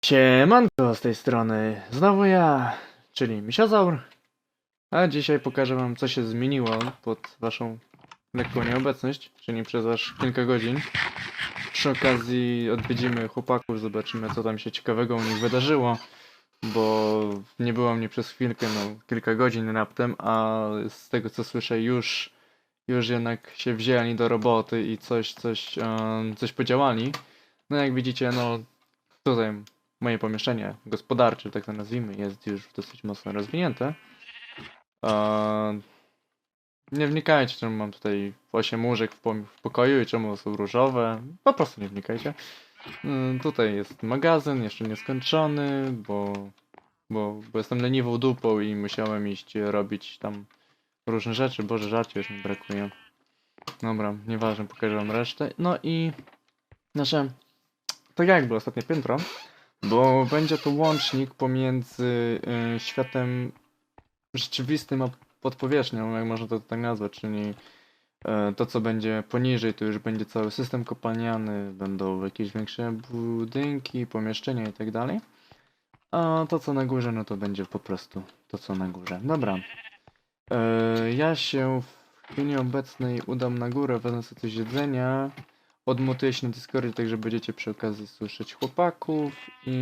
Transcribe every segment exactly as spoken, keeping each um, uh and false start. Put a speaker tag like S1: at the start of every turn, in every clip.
S1: Siemanko z tej strony, znowu ja, czyli Misiozaur, a dzisiaj pokażę wam, co się zmieniło pod waszą lekką nieobecność, czyli przez aż kilka godzin. Przy okazji odwiedzimy chłopaków, zobaczymy, co tam się ciekawego u nich wydarzyło, bo nie było mnie przez chwilkę, no kilka godzin raptem, a z tego co słyszę już, już jednak się wzięli do roboty i coś, coś, um, coś podziałali. No jak widzicie, no tutaj moje pomieszczenie gospodarcze, tak to nazwijmy, jest już dosyć mocno rozwinięte. Eee, nie wnikajcie, czemu mam tutaj osiem łóżek w, po w pokoju i czemu są różowe. Po prostu nie wnikajcie. Eee, tutaj jest magazyn, jeszcze nieskończony, bo, bo, bo jestem leniwą dupą i musiałem iść robić tam różne rzeczy. Boże, żarcie już mi brakuje. Dobra, nieważne, pokażę wam resztę. No i nasze, tak jak było ostatnie piętro, bo będzie to łącznik pomiędzy y, światem rzeczywistym a podpowierzchnią, jak można to tak nazwać, czyli y, to co będzie poniżej to już będzie cały system kopalniany, będą jakieś większe budynki, pomieszczenia i tak dalej. A to co na górze, no to będzie po prostu to co na górze. Dobra. Y, ja się w chwili obecnej udam na górę, wezmę sobie coś jedzenia. Odmutuję się na Discordzie, tak że będziecie przy okazji słyszeć chłopaków i...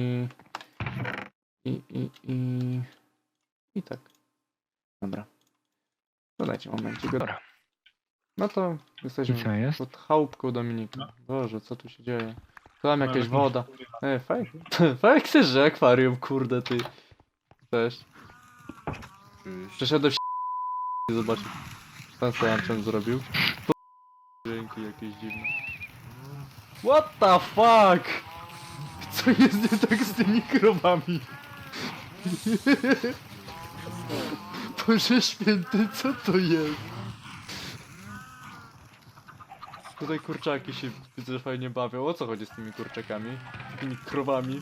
S1: I, i, i... I tak. Dobra. Dodajcie momencik. Dobra. No to
S2: I
S1: jesteśmy
S2: co jest?
S1: pod chałupką Dominika.
S3: No.
S1: Boże, co tu się dzieje? Tu mam
S3: No,
S1: jakaś
S3: ale
S1: woda.
S3: kurwa.
S1: E, fajnie. Fajnie chcesz, że akwarium, kurde ty. Cześć. Przeszedłem w zobaczyć. Ten co zrobił. Dźwięki jakieś dziwne. What the fuck? Co jest nie tak z tymi krowami? Boże święty, co to jest? Tutaj kurczaki się widzę, że fajnie bawią. O co chodzi z tymi kurczakami? Z tymi krowami?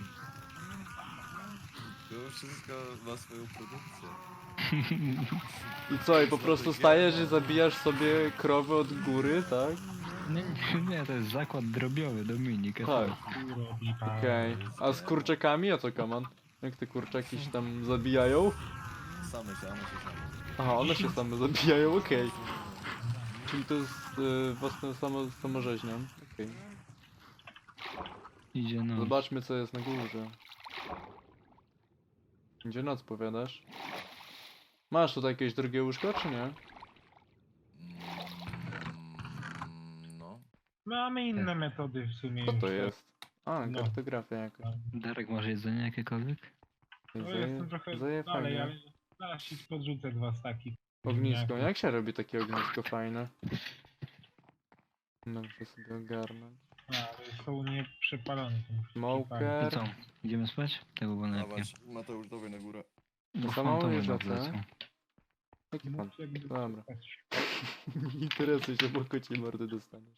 S4: To wszystko ma swoją produkcję.
S1: I co, i po prostu stajesz i zabijasz sobie krowy od góry, tak?
S2: Nie, nie, to jest zakład drobiowy, Dominik.
S1: Tak. Okej. A z kurczakami? A co, Kaman? Jak te kurczaki się tam zabijają?
S4: Same się, one się same.
S1: Aha, one się same zabijają, okej. Czyli to jest y, własne samo, samorzeźnią. Okej.
S2: Idzie no.
S1: Zobaczmy co jest na górze. Gdzie noc powiadasz? Masz tutaj jakieś drugie łóżko, czy nie?
S4: Mm, no.
S3: Mamy inne metody w sumie.
S1: Co to
S3: już,
S1: jest? A,
S3: No.
S1: kartografia jakaś.
S2: Darek, masz jedzenie jakiekolwiek?
S3: No,
S1: Zaje-
S3: jestem trochę
S1: zaje
S3: dalej,
S1: fajnie.
S3: ale zaraz ci podrzucę dwa staki.
S1: Ognisko.
S3: ziemniaków.
S1: Jak się robi takie ognisko fajne? Muszę sobie ogarnąć.
S3: A, ale są nieprzepalone. to muszę
S1: Smoker.
S2: I co? Idziemy spać? Tego było najlepiej.
S4: Dawać, Mateusz, dawaj na górę.
S2: Bo
S1: To samo
S2: fantomy
S1: już
S2: nam
S1: lecę.
S2: wlecą.
S1: Jaki pan?
S3: przypalić. Jakby
S1: Dobra.
S3: spać.
S1: Nie interesuj się, bo kocie mordy dostaniesz.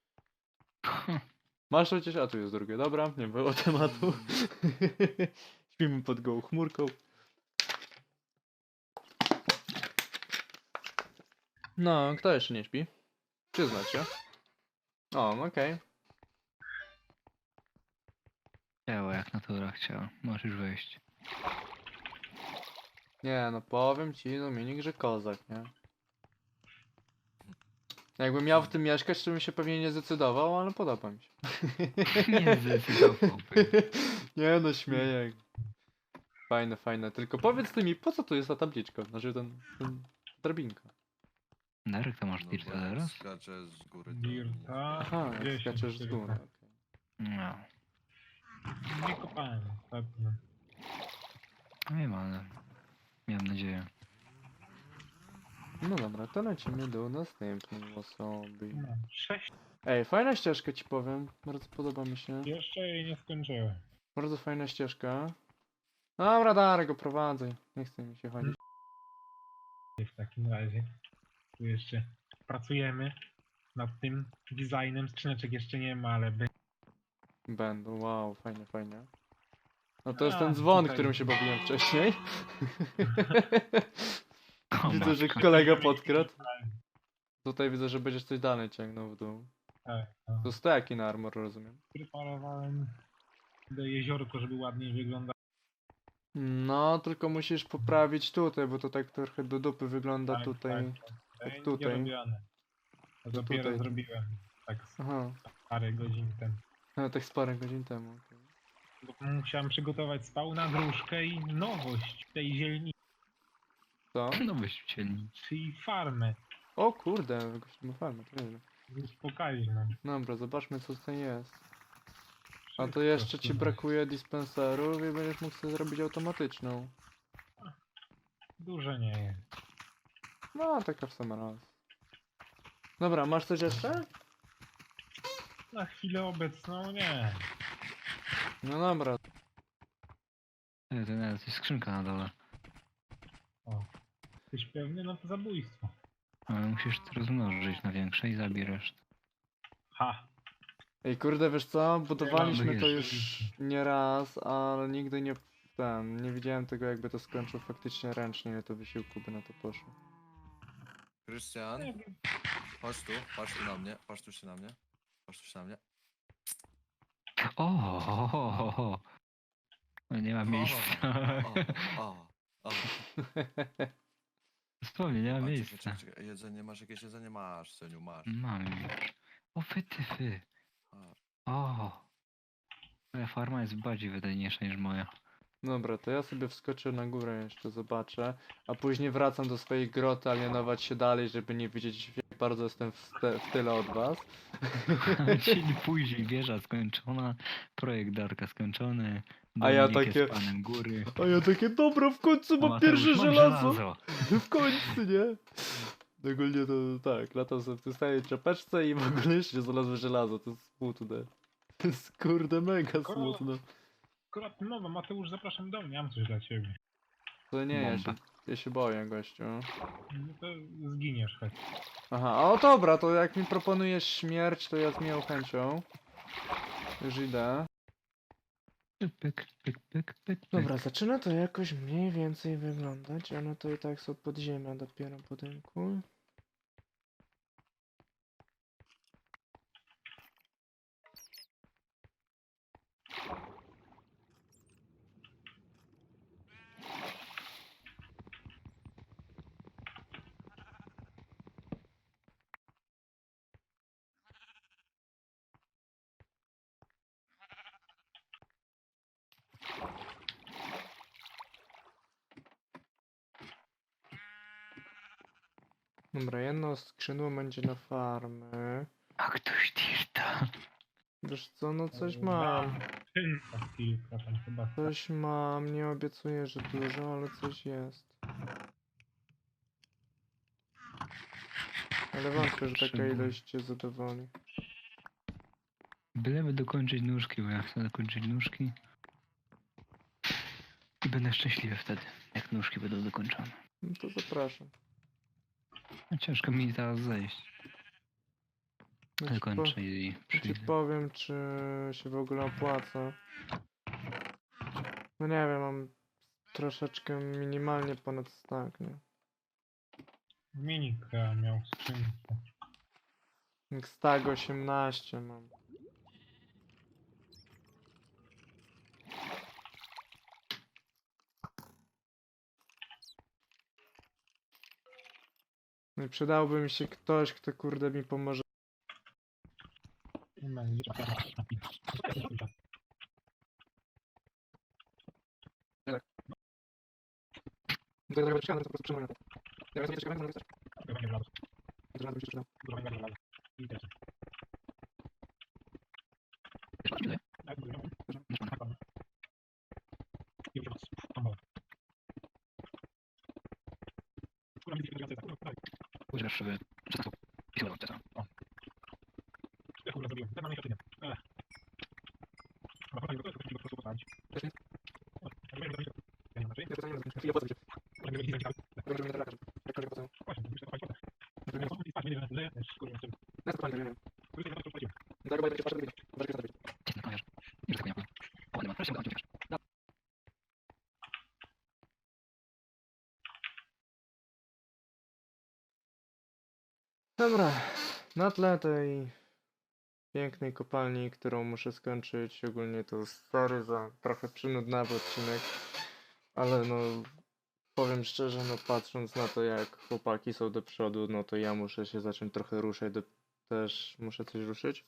S1: Masz chociaż, a tu jest drugie. Dobra, nie było tematu. Śpimy pod gołą chmurką. No, kto jeszcze nie śpi? Przyznać się. O, okej.
S2: Chciała, jak natura chciała. Możesz wejść.
S1: Nie, no powiem ci, Dominik, że kozak, nie? Jakbym miał w tym mieszkać, to bym się pewnie nie zdecydował, ale podoba mi się.
S2: Nie zdecydowałbym.
S1: Nie no, śmieję. Fajne, fajne. Tylko powiedz ty mi, po co tu jest ta tabliczka? Znaczy ten, ten drabinka.
S2: Darek, to masz
S4: No
S2: dirta
S4: bo jak
S2: teraz?
S4: skaczę z góry, to...
S3: Dirta.
S1: Aha, jak
S3: dziesięć,
S1: skaczesz z
S3: tylko.
S1: góry. okej.
S2: No.
S3: Nie kopałem ostatnio.
S2: Nie wiem, ale... Miałem nadzieję.
S1: No dobra, to lecimy do następnej osoby.
S3: No, sześć.
S1: Ej, fajna ścieżka ci powiem. Bardzo podoba mi się.
S3: Jeszcze jej nie skończyłem.
S1: Bardzo fajna ścieżka. Dobra, Darek, go prowadzę. Nie chce mi się chodzić.
S3: W takim razie. Tu jeszcze pracujemy nad tym designem. Skrzyneczek jeszcze nie ma, ale będzie.
S1: Będą, wow, fajnie, fajnie. No to jest
S3: A,
S1: ten dzwon,
S3: tutaj-
S1: którym się bawiłem wcześniej.
S2: O,
S1: Widzę, że
S2: matko.
S1: kolega podkradł. Tutaj widzę, że będziesz coś dalej ciągnął w dół.
S3: Tak, no.
S1: To steki na armor, rozumiem.
S3: Preparowałem do jeziorko, żeby ładniej wyglądało.
S1: No, tylko musisz poprawić tutaj, bo to tak trochę do dupy wygląda
S3: Tak,
S1: tutaj.
S3: tak, tak.
S1: Tak
S3: Będzie
S1: tutaj.
S3: robione. To
S1: To
S3: dopiero
S1: tutaj.
S3: zrobiłem. Tak z
S1: Aha,
S3: parę godzin temu.
S1: no, tak z parę godzin temu. okej.
S3: Bo musiałem przygotować spałna, gruszkę i nowość tej zielnicy,
S1: Co?
S2: No wyścielni.
S3: czyli farmę.
S1: O kurde, gościu ma farmę, to nieźle.
S3: Już pokaźną.
S1: Dobra, zobaczmy co tutaj jest. A to
S3: Wszystko
S1: jeszcze ci
S3: tu
S1: brakuje dispenserów i będziesz mógł sobie zrobić automatyczną.
S3: Dużo nie jest.
S1: No, taka w sam raz. Dobra, masz coś jeszcze?
S3: Na chwilę obecną nie.
S1: No dobra.
S2: To, to nawet jest skrzynka na dole.
S3: O. Jesteś pewny? No to zabójstwo.
S2: Ale musisz to rozmnożyć na większe i zabierz.
S3: Ha!
S1: Ej, kurde, wiesz co? Budowaliśmy
S2: mam
S1: to
S3: jeszcze.
S1: już nie raz, ale nigdy nie... Ten, nie widziałem tego jakby to skończył faktycznie ręcznie, ile to wysiłku by na to poszło.
S4: Krystian,
S3: Nie wiem.
S4: chodź tu, patrz tu na mnie, patrz tu się na mnie. Patrz tu się na mnie.
S2: O, o, o, o, o. No nie ma miejsca.
S4: O, o, o.
S2: Dosłownie, nie ma
S4: A, czekaj,
S2: miejsca.
S4: czekaj, czekaj. Jedzenie, masz jakieś jedzenie? Masz, Seniu, masz.
S2: Mam już. O, fy, ty, fy.
S4: A,
S2: O. Moja farma jest bardziej wydajniejsza niż moja.
S1: Dobra, to ja sobie wskoczę na górę jeszcze, zobaczę. A później wracam do swojej groty, alienować się dalej, żeby nie widzieć jak bardzo jestem w, te, w tyle od was.
S2: Dzień później, wieża skończona, projekt Darka skończony,
S1: A ja
S2: Dominik
S1: takie-
S2: jest panem góry.
S1: A ja takie, dobra, w końcu
S2: a
S1: mam
S2: Mateusz,
S1: pierwsze
S2: mam
S1: żelazo! W końcu, nie? Ogólnie to tak, latam sobie w tej samej czapeczce i w ogóle jeszcze znalazłem żelazo, to jest smutne. To jest kurde mega
S3: Skoro-
S1: smutne.
S3: Akurat nowa, Mateusz, zapraszam do mnie, mam coś dla ciebie.
S1: To nie, ja się,
S2: Bomba.
S1: ja się boję, gościu.
S3: No to zginiesz choć.
S1: Aha, o dobra, to jak mi proponujesz śmierć, to ja z miłą chęcią. Już idę.
S2: Pyk, pyk, pyk, pyk, pyk.
S1: Dobra, zaczyna to jakoś mniej więcej wyglądać, ale to i tak są podziemia dopiero budynku. Dobra, jedno skrzydło będzie na farmy.
S2: A ktoś dirta.
S1: Wiesz co, no coś mam.
S3: Tynka kilka tam chyba.
S1: Coś mam, nie obiecuję, że dużo, ale coś jest. Ale wątpię, że taka
S2: Potrzebuję.
S1: ilość cię zadowoli.
S2: Byleby dokończyć nóżki, bo ja chcę dokończyć nóżki. I będę szczęśliwy wtedy, jak nóżki będą dokończone.
S1: No to zapraszam.
S2: No, ciężko mi teraz zejść.
S1: Ja ci, po,
S2: Dokończę i
S1: ja ci
S2: przyjdę.
S1: powiem, czy się w ogóle opłaca. No nie wiem, mam troszeczkę minimalnie ponad stak, nie?
S3: Minika miał skrzynkę.
S1: Jak Stag osiemnaście mam. No i przydałby mi się ktoś, kto kurde mi pomoże.
S3: Nie ma nic.
S2: Używasz sobie przestawu i chyba to. Cię nakomiarz. I że tak nie ma. O, nie ma. Wreszcie udało mi się uciekać.
S1: Dobra, na tle tej pięknej kopalni, którą muszę skończyć. Ogólnie to sorry za trochę przynudnawy odcinek, ale no powiem szczerze, no patrząc na to jak chłopaki są do przodu, no to ja muszę się zacząć trochę ruszać, do... też muszę coś ruszyć.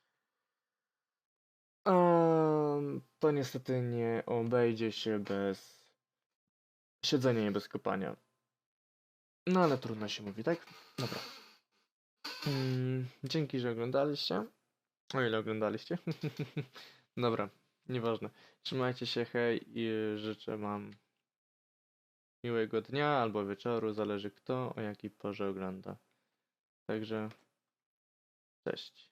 S1: A to niestety nie obejdzie się bez siedzenia i bez kopania. No ale trudno się mówi, tak? Dobra. Mm, dzięki, że oglądaliście. O ile oglądaliście. Dobra, nieważne. Trzymajcie się, hej i życzę wam miłego dnia albo wieczoru, zależy kto o jakiej porze ogląda. Także cześć.